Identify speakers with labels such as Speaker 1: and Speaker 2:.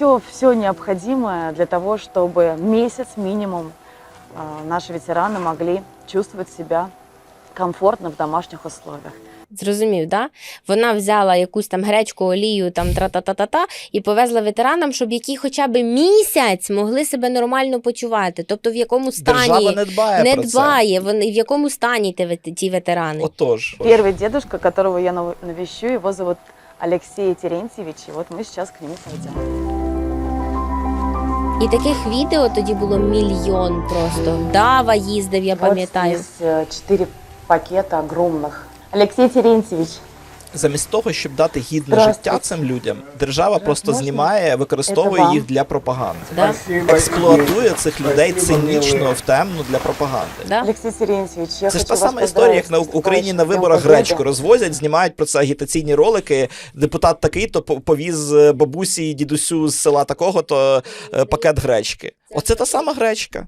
Speaker 1: все необходимое для того, чтобы месяц минимум наши ветераны могли чувствовать себя комфортно в домашних условиях.
Speaker 2: Зрозумів, да? Вона взяла якусь там гречку, олію, там тра-та-та-та-та і повезла ветеранам, щоб які хоча б місяць могли себе нормально почувати. Тобто в якому стані
Speaker 3: Держава не дбає
Speaker 2: не
Speaker 3: про це.
Speaker 2: дбає, вони в якому стані ті ветерани.
Speaker 3: Отож.
Speaker 1: Первый дедушка, которого я навещу, его зовут Алексей Терентьевич, и вот мы сейчас к нему пойдем.
Speaker 2: І таких відео тоді було мільйон просто. Дава їздив, я пам'ятаю.
Speaker 1: Вот здесь 4 пакета огромных. Алексей Терентьевич,
Speaker 3: Замість того, щоб дати гідне
Speaker 1: Здравствуйте.
Speaker 3: життя цим людям, держава просто
Speaker 1: Можна?
Speaker 3: знімає, використовує
Speaker 1: Це вам.
Speaker 3: їх для пропаганди.
Speaker 2: Да?
Speaker 3: Експлуатує цих людей цинічно в темну для пропаганди.
Speaker 2: Да?
Speaker 1: Алексей Терентьевич, я
Speaker 3: Це ж
Speaker 1: хочу
Speaker 3: та
Speaker 1: вас
Speaker 3: сама історія, як на
Speaker 1: поздравить с
Speaker 3: Україні на
Speaker 1: наступающим
Speaker 3: виборах
Speaker 1: Днем
Speaker 3: гречку
Speaker 1: Победы.
Speaker 3: розвозять, знімають про це агітаційні ролики. Депутат такий-то повіз бабусі і дідусю з села такого-то пакет гречки. Оце та сама гречка.